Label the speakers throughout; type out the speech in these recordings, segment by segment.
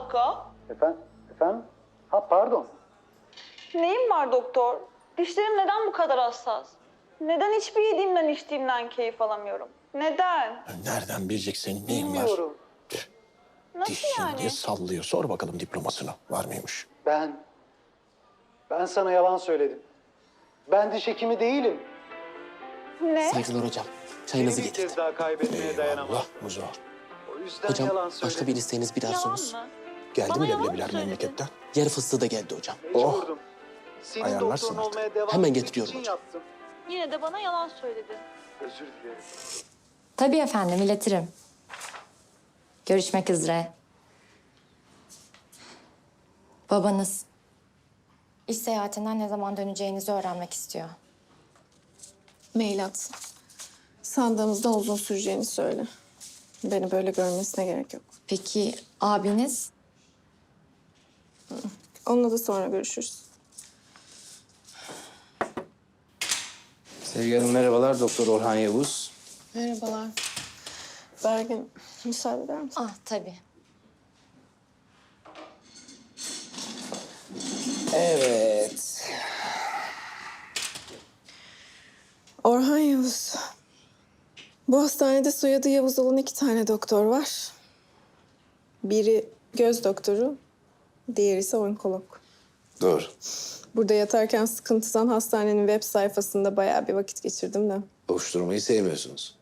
Speaker 1: dakika.
Speaker 2: Efendim? Ha pardon.
Speaker 1: Neyim var doktor? Dişlerim neden bu kadar hassas? Neden hiçbir yediğimden içtiğimden keyif alamıyorum? Neden?
Speaker 3: Nereden bilecek senin neyin var?
Speaker 2: Bilmiyorum.
Speaker 1: Nasıl
Speaker 3: Dişin
Speaker 1: yani?
Speaker 3: diye sallıyor. Sor bakalım diplomasını. Var mıymış?
Speaker 2: Ben sana yalan söyledim. Ben diş hekimi değilim.
Speaker 1: Ne?
Speaker 4: Saygılar hocam.
Speaker 2: Seni
Speaker 4: Çayınızı
Speaker 2: bir
Speaker 4: getirdim.
Speaker 2: kez daha kaybetmeye dayanamam.
Speaker 3: Allah Muzo.
Speaker 2: O yüzden
Speaker 4: Hocam
Speaker 2: yalan
Speaker 4: başka
Speaker 2: söyledim.
Speaker 4: bir isteğiniz bir
Speaker 1: Yalan
Speaker 4: arzusunuz.
Speaker 1: mı?
Speaker 3: Geldi
Speaker 1: Bana
Speaker 3: mi
Speaker 1: yalan mı
Speaker 3: leblebiler
Speaker 1: söyledin?
Speaker 3: memleketten?
Speaker 4: Yer fıstığı da geldi hocam.
Speaker 2: Mecburdum. Senin
Speaker 3: Ayarlarsın
Speaker 2: doktorun
Speaker 3: artık.
Speaker 2: olmaya devam
Speaker 4: Hemen
Speaker 2: etmek
Speaker 4: getiriyorum
Speaker 2: için
Speaker 4: hocam.
Speaker 2: yaptım.
Speaker 1: Yine de bana yalan söyledin.
Speaker 2: Özür dilerim.
Speaker 5: Tabii efendim, iletirim. Görüşmek üzere. Babanız iş seyahatinden ne zaman döneceğinizi öğrenmek istiyor.
Speaker 6: Mail atsın. Sandığımızda uzun süreceğini söyle. Beni böyle görmesine gerek yok.
Speaker 5: Peki abiniz?
Speaker 6: Onunla da sonra görüşürüz.
Speaker 7: Sevgi Hanım merhabalar. Doktor Orhan Yavuz.
Speaker 6: Merhabalar. Bergin, müsaade eder misin?
Speaker 5: Ah tabii.
Speaker 7: Evet.
Speaker 6: Orhan Yavuz. Bu hastanede soyadı Yavuz olan 2 tane doktor var. Biri göz doktoru, diğeri ise onkolog.
Speaker 7: Doğru.
Speaker 6: Burada yatarken sıkıntıdan hastanenin web sayfasında bayağı bir vakit geçirdim de.
Speaker 7: Boş durmayı sevmiyorsunuz.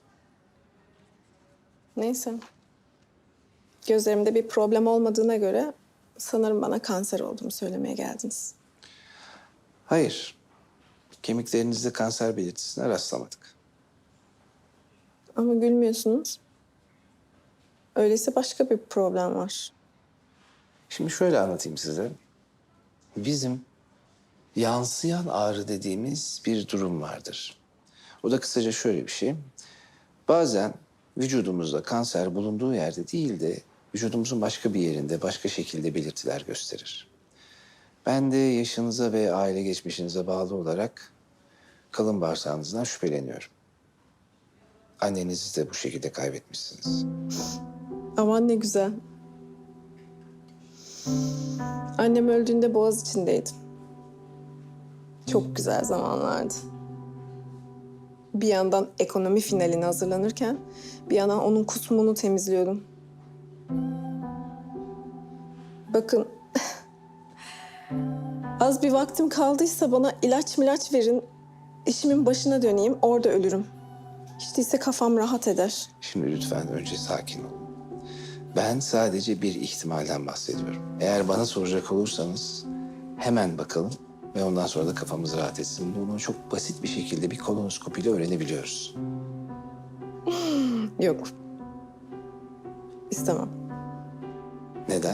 Speaker 6: Neyse. Gözlerimde bir problem olmadığına göre sanırım bana kanser olduğumu söylemeye geldiniz.
Speaker 7: Hayır. Kemiklerinizde kanser belirtisine rastlamadık.
Speaker 6: Ama gülmüyorsunuz. Öyleyse başka bir problem var.
Speaker 7: Şimdi şöyle anlatayım size. Bizim yansıyan ağrı dediğimiz bir durum vardır. O da kısaca şöyle bir şey. Bazen vücudumuzda kanser bulunduğu yerde değil de vücudumuzun başka bir yerinde başka şekilde belirtiler gösterir. Ben de yaşınıza ve aile geçmişinize bağlı olarak kalın bağırsağınızdan şüpheleniyorum. Annenizi de bu şekilde kaybetmişsiniz.
Speaker 6: Aman ne güzel. Annem öldüğünde Boğaziçi'ndeydim. Çok güzel zamanlardı. Bir yandan ekonomi finaline hazırlanırken bir yandan onun kusmunu temizliyordum. Bakın az bir vaktim kaldıysa bana ilaç verin. İşimin başına döneyim, orada ölürüm. Hiç değilse kafam rahat eder.
Speaker 7: Şimdi lütfen önce sakin olun. Ben sadece bir ihtimalden bahsediyorum. Eğer bana soracak olursanız hemen bakalım ve ondan sonra da kafamız rahat etsin. Bunu çok basit bir şekilde bir kolonoskopiyle öğrenebiliyoruz.
Speaker 6: Yok. İstemem.
Speaker 7: Neden?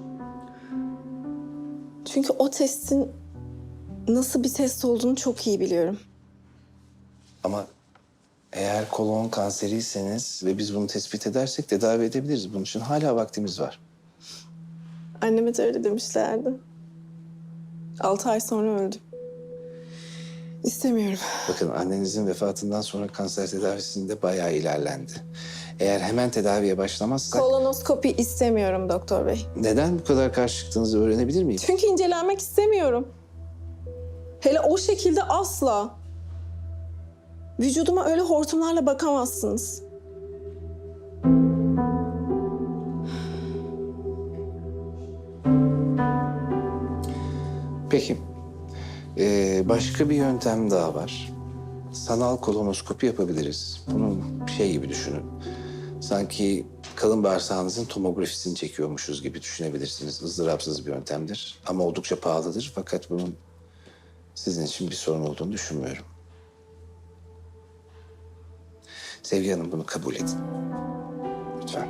Speaker 6: Çünkü o testin nasıl bir test olduğunu çok iyi biliyorum.
Speaker 7: Ama eğer kolon kanseriyseniz ve biz bunu tespit edersek tedavi edebiliriz. Bunun için hala vaktimiz var.
Speaker 6: Anneme de öyle demişlerdi. 6 ay sonra öldü. İstemiyorum.
Speaker 7: Bakın annenizin vefatından sonra kanser tedavisinde bayağı ilerlendi. Eğer hemen tedaviye başlamazsak...
Speaker 6: Kolonoskopi istemiyorum doktor bey.
Speaker 7: Neden bu kadar karşı çıktığınızı öğrenebilir miyim?
Speaker 6: Çünkü incelenmek istemiyorum. Hele o şekilde asla. Vücuduma öyle hortumlarla bakamazsınız.
Speaker 7: Peki. Başka bir yöntem daha var. Sanal kolonoskopi yapabiliriz. Bunu şey gibi düşünün. Sanki kalın bağırsağınızın tomografisini çekiyormuşuz gibi düşünebilirsiniz. Izdırapsız bir yöntemdir. Ama oldukça pahalıdır. Fakat bunun sizin için bir sorun olduğunu düşünmüyorum. Sevgi Hanım bunu kabul edin. Lütfen.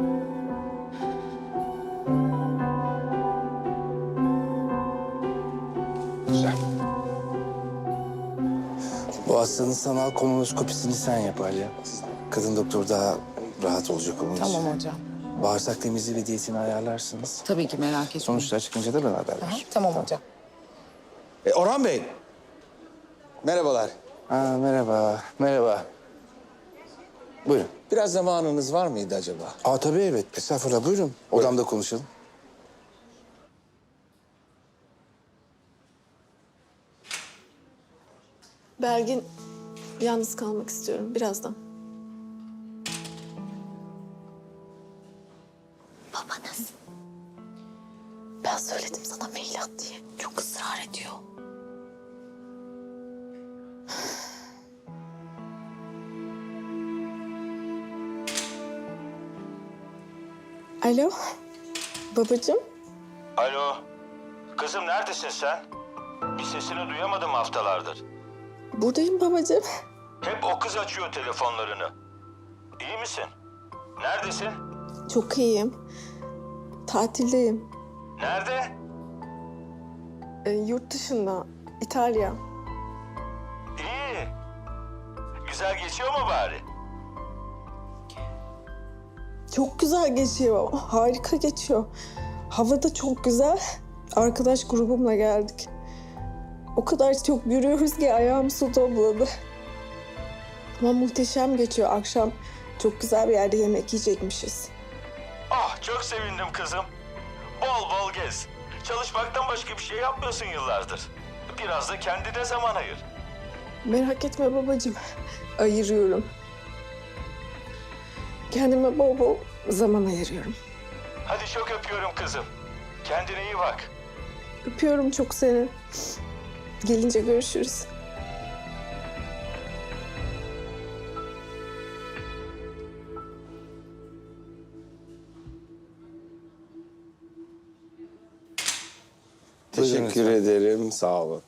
Speaker 7: Güzel. Bu hastanın sanal kolonoskopisini sen yap Alya. Kadın doktor daha rahat olacak onun için.
Speaker 8: Tamam hocam.
Speaker 7: Bağırsak temizliği ve diyetini ayarlarsınız.
Speaker 8: Tabii ki merak etmeyin.
Speaker 7: Sonuçlar çıkınca da bana haber
Speaker 8: Aha,
Speaker 7: ver.
Speaker 8: tamam hocam.
Speaker 9: Orhan Bey. Merhabalar.
Speaker 7: Merhaba, merhaba. Buyurun.
Speaker 9: Biraz zamanınız var mıydı acaba?
Speaker 7: Tabii evet. Estağfurullah, buyurun. Odamda konuşalım.
Speaker 6: Belgin, yalnız kalmak istiyorum birazdan.
Speaker 5: Babanız. Ben söyledim sana mail at diye. Çok ısrar ediyor.
Speaker 6: Alo, babacığım.
Speaker 9: Alo. Kızım neredesin sen? Bir sesini duyamadım haftalardır.
Speaker 6: Buradayım babacığım.
Speaker 9: Hep o kız açıyor telefonlarını. İyi misin? Neredesin?
Speaker 6: Çok iyiyim. Tatildeyim.
Speaker 9: Nerede?
Speaker 6: Yurt dışında, İtalya.
Speaker 9: İyi. Güzel geçiyor mu bari?
Speaker 6: Çok güzel geçiyor, harika geçiyor. Hava da çok güzel. Arkadaş grubumla geldik. O kadar çok yürüyoruz ki ayağım su topladı. Ama muhteşem geçiyor. Akşam çok güzel bir yerde yemek yiyecekmişiz.
Speaker 9: Ah çok sevindim kızım. Bol bol gez. Çalışmaktan başka bir şey yapmıyorsun yıllardır. Biraz da kendine zaman ayır.
Speaker 6: Merak etme babacığım. Ayırıyorum. Kendime bol bol zaman ayırıyorum.
Speaker 9: Hadi çok öpüyorum kızım. Kendine iyi bak.
Speaker 6: Öpüyorum çok seni. Gelince görüşürüz.
Speaker 7: Teşekkür ederim, sağ olun.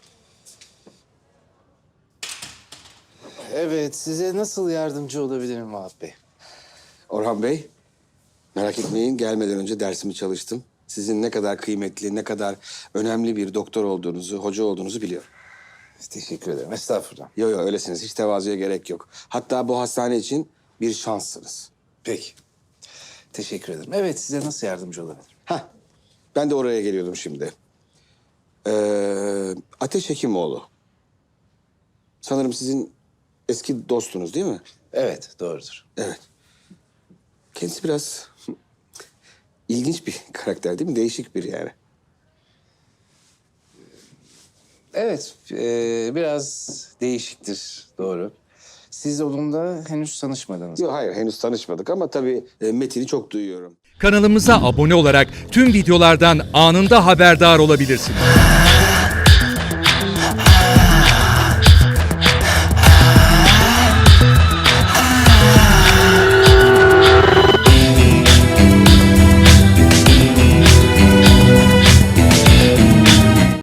Speaker 7: Evet, size nasıl yardımcı olabilirim Vahap Bey?
Speaker 4: Orhan Bey, merak etmeyin gelmeden önce dersimi çalıştım. Sizin ne kadar kıymetli, ne kadar önemli bir doktor olduğunuzu, hoca olduğunuzu biliyorum.
Speaker 7: Teşekkür ederim, estağfurullah.
Speaker 4: Yo yo öylesiniz, hiç tevazuya gerek yok. Hatta bu hastane için bir şanssınız.
Speaker 7: Peki, teşekkür ederim. Evet, size nasıl yardımcı olabilirim?
Speaker 4: Heh, ben de oraya geliyordum şimdi. Ateş Hekimoğlu. Sanırım sizin eski dostunuz değil mi?
Speaker 7: Evet, doğrudur.
Speaker 4: Evet. Kendisi biraz ilginç bir karakter değil mi? Değişik bir yani.
Speaker 7: Evet, biraz değişiktir, doğru. Siz onunla henüz tanışmadınız.
Speaker 4: Yok hayır henüz tanışmadık ama tabii Metin'i çok duyuyorum.
Speaker 8: Kanalımıza abone olarak tüm videolardan anında haberdar olabilirsiniz.